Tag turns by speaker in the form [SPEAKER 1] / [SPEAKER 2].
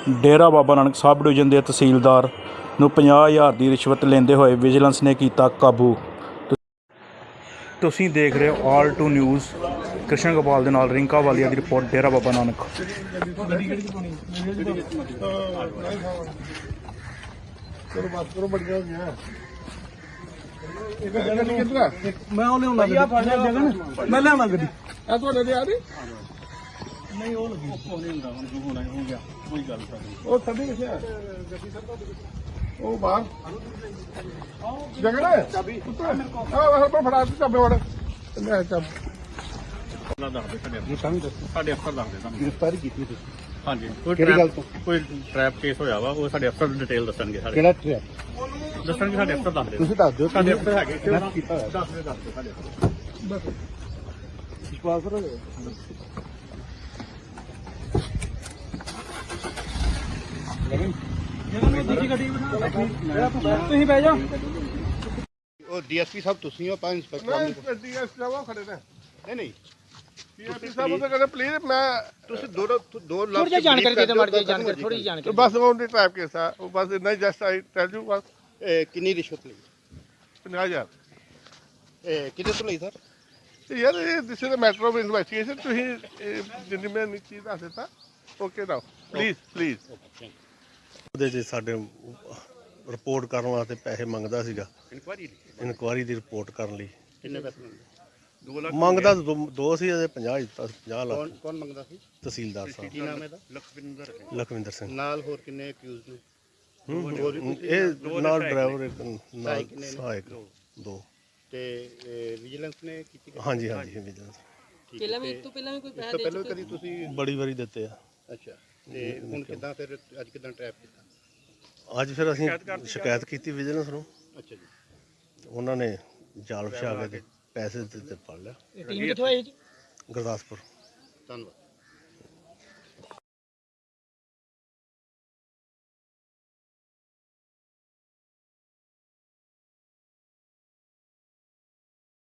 [SPEAKER 1] ਡੇਰਾ ਬਾਬਾ Nanak sub division ਦੇ ਤਹਿਸੀਲਦਾਰ ਨੂੰ 50,000 ਦੀ ਰਿਸ਼ਵਤ ਲੈਂਦੇ ਹੋਏ ਵਿਜੀਲੈਂਸ ਨੇ ਕੀਤਾ ਕਾਬੂ। ਤੁਸੀਂ ਦੇਖ ਰਹੇ ਹੋ all to news. Krishan Gopal ਦੇ ਨਾਲ ਰਿੰਕਾ ਵਾਲੀਆ ਦੀ ਰਿਪੋਰਟ, ਡੇਰਾ ਬਾਬਾ ਨਾਨਕ।
[SPEAKER 2] ਮੈਂ ਉਹ ਲਿਆਉਣਾ ਜਗਨ, ਮੈਂ ਲਿਆਉਣਾ ਗੱਡੀ ਆ ਤੁਹਾਡੇ ਤੇ ਆ ਰਹੀ ਨਹੀਂ। ਉਹ ਲੱਗੀ ਨਹੀਂ ਹੁੰਦਾ ਹੁਣ ਹੋਣਾ ਹੋ ਗਿਆ ਕੋਈ ਗੱਲ ਉਹ ਸਭੀ ਕਿੱਥੇ ਆ ਉਹ ਬਾਹਰ ਜਗਨ ਚਾਬੀ ਆ ਫੜਾ ਚਾਬੇ ਵੜ ਲੈ ਚਾਬੀ ਸਾਡੇ ਅਫਸਰ ਦੱਸਦੇ ਤੁਹਾਨੂੰ ਗ੍ਰਿਫਤਾਰੀ ਕੀਤੀ ਤੁਸੀਂ। ਹਾਂਜੀ ਕਿਹੜੀ ਗੱਲ ਤੋਂ? ਕੋਈ ਟ੍ਰੈਪ ਕੇਸ ਹੋਇਆ ਵਾ, ਉਹ ਸਾਡੇ ਅਫਸਰ ਡਿਟੇਲ ਦੱਸਣਗੇ। ਸਾਡੇ ਕਿਹੜਾ ਟ੍ਰੈਪ ਦੱਸਣਗੇ ਸਾਡੇ ਅਫਸਰ ਦੱਸਦੇ। ਤੁਸੀਂ ਦੱਸ ਦਿਓ ਸਾਡੇ ਅਫਸਰ ਹੈਗੇ ਕੀਤਾ ਹੋਇਆ। ਦੱਸਦੇ ਸਾਡੇ ਅਫਸਰ ਬਸ ਵਿਸ਼ਵਾਸ ਕਰੋ। ਤੁਸੀਂ ਬਹਿ ਜਾਓ।
[SPEAKER 3] ਉਹ ਡੀਐਸਪੀ ਸਾਹਿਬ ਤੁਸੀਂ ਹੋ, ਪੰਜ ਇੰਸਪੈਕਟਰ
[SPEAKER 2] ਡੀਐਸਪੀ ਸਾਹਿਬ ਖੜੇ ਨੇ।
[SPEAKER 3] ਨਹੀਂ
[SPEAKER 2] ਡੀਐਸਪੀ ਸਾਹਿਬ ਉਹਦੇ ਕਹਿੰਦੇ ਪਲੀਜ਼ ਮੈਂ
[SPEAKER 3] ਤੁਸੀਂ ਦੋ ਲੱਖ
[SPEAKER 4] ਥੋੜੀ ਜਿਹੀ ਜਾਣਕਾਰੀ ਦੇ ਦਿਓ, ਮਾੜੀ ਜਿਹੀ ਜਾਣਕਾਰੀ, ਥੋੜੀ ਜਿਹੀ ਜਾਣਕਾਰੀ
[SPEAKER 2] ਬਸ ਉਹ ਦੀ ਟ੍ਰੈਪ ਕੇਸ ਆ ਉਹ ਬਸ ਇੰਨਾ ਹੀ ਜਸਟ ਆਈ ਟੈਲ ਯੂ ਬਸ।
[SPEAKER 3] ਕਿੰਨੀ ਰਿਸ਼ਵਤ ਲਈ?
[SPEAKER 2] 50,000।
[SPEAKER 3] ਕਿਹਦੇ ਤੋਂ ਲਈ ਸਰ?
[SPEAKER 2] ਯਾਰ ਇਹ this is a matter of investigation. ਤੁਸੀਂ ਜਿੰਨੀ ਮੈਂ ਚੀਜ਼ ਦੱਸ ਦਿੱਤਾ ਓਕੇ ਨਾ ਪਲੀਜ਼।
[SPEAKER 5] ਉਹਦੇ 'ਚ ਸਾਡੇ ਰਿਪੋਰਟ ਕਰਨ ਵਾਸਤੇ ਪੈਸੇ ਮੰਗਦਾ ਸੀਗਾ, ਇਨਕੁਆਇਰੀ ਦੀ ਰਿਪੋਰਟ ਕਰਨ ਲਈ।
[SPEAKER 3] ਕਿੰਨੇ ਪੈਸੇ ਮੰਗਦੇ? 2 ਲੱਖ
[SPEAKER 5] ਮੰਗਦਾ ਦੋ ਸੀ, ਇਹਦੇ 50 ਦਿੱਤਾ। 50 ਲੱਖ।
[SPEAKER 3] ਕੌਣ ਮੰਗਦਾ ਸੀ?
[SPEAKER 5] ਤਹਿਸੀਲਦਾਰ ਸਾਹਿਬ।
[SPEAKER 3] ਕੀ ਨਾਮ ਇਹਦਾ?
[SPEAKER 5] ਲਖਵਿੰਦਰ ਸਿੰਘ।
[SPEAKER 3] ਨਾਲ ਹੋਰ ਕਿੰਨੇ ਅਕਿਊਜ਼ ਨੇ?
[SPEAKER 5] ਇਹ ਨਾਲ ਡਰਾਈਵਰ ਇੱਕ ਨਾਲ ਸਹਾਇਕ 2।
[SPEAKER 3] ਤੇ ਵਿਜੀਲੈਂਸ ਨੇ ਕੀਤੀ?
[SPEAKER 5] ਹਾਂਜੀ ਵਿਜੀਲੈਂਸ
[SPEAKER 4] ਪਹਿਲਾਂ ਵੀ ਇਸ ਤੋਂ ਪਹਿਲਾਂ ਵੀ ਕੋਈ
[SPEAKER 3] ਇਸ
[SPEAKER 4] ਪੈਸਾ
[SPEAKER 3] ਤੋਂ
[SPEAKER 4] ਦੇ
[SPEAKER 3] ਪਹਿਲਾਂ ਕਦੀ ਤੁਸੀਂ?
[SPEAKER 5] ਬੜੀ ਵਾਰੀ ਦਿੱਤੇ ਆ।
[SPEAKER 3] ਅੱਛਾ, ਤੇ ਹੁਣ ਕਿੱਦਾਂ ਫਿਰ ਅੱਜ ਕਿੱਦਾਂ ਟ੍ਰੈਪ ਕੀਤਾ?
[SPEAKER 5] ਅੱਜ ਫਿਰ ਅਸੀਂ ਸ਼ਿਕਾਇਤ ਕੀਤੀ ਵਿਜੀਲੈਂਸ ਨੂੰ।
[SPEAKER 3] ਅੱਛਾ ਜੀ।
[SPEAKER 5] ਉਹਨਾਂ ਨੇ ਜਾਲ ਵਿਛਾ ਕੇ ਤੇ ਪੈਸੇ ਦਿੱਤੇ, ਫੜ ਲਿਆ।
[SPEAKER 4] ਟੀਮ ਕਿੱਥੋਂ ਆਈ ਜੀ?
[SPEAKER 5] ਗੁਰਦਾਸਪੁਰ।
[SPEAKER 3] ਧੰਨਵਾਦ।